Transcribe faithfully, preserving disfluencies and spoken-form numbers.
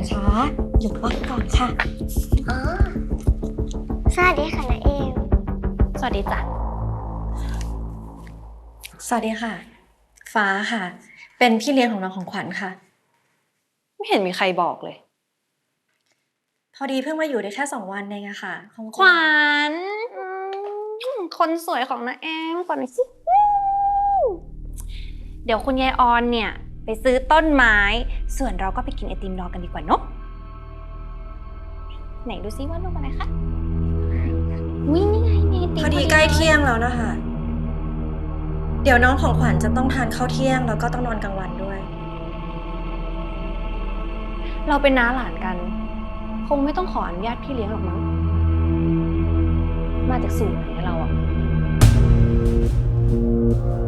คะหยุดว่างก่อนค่ะอ๋อสวัสดีค่ะนาเอมสวัสดีจ้ะสวัสดีค่ะ ฟ้าค่ะ เป็นพี่เลี้ยงของน้องของขวัญค่ะไม่เห็นมีใครบอกเลยพอดีเพิ่งมาอยู่ได้แค่สองวันเองอะค่ะคงจะขวัญอืมคนสวยของนาแอมก่อนหน่อยสิเดี๋ยวคุณยายออนเนี่ยไปซื้อต้นไม้ส่วนเราก็ไปกินไอติมรอกันดีกว่าเนอะไหนดูซิว่ารูปอะไรคะวิ่งนี่ไงมีไอติมพอดีใกล้เที่ยงแล้วนะคะ เดี๋ยวน้องของขวัญจะต้องทานข้าวเที่ยงแล้วก็ต้องนอนกลางวันด้วยเราเป็นน้าหลานกัน คงไม่ต้องขออนุญาตพี่เลี้ยงหรอกมั้งมาจากสูตรไหนเราอะ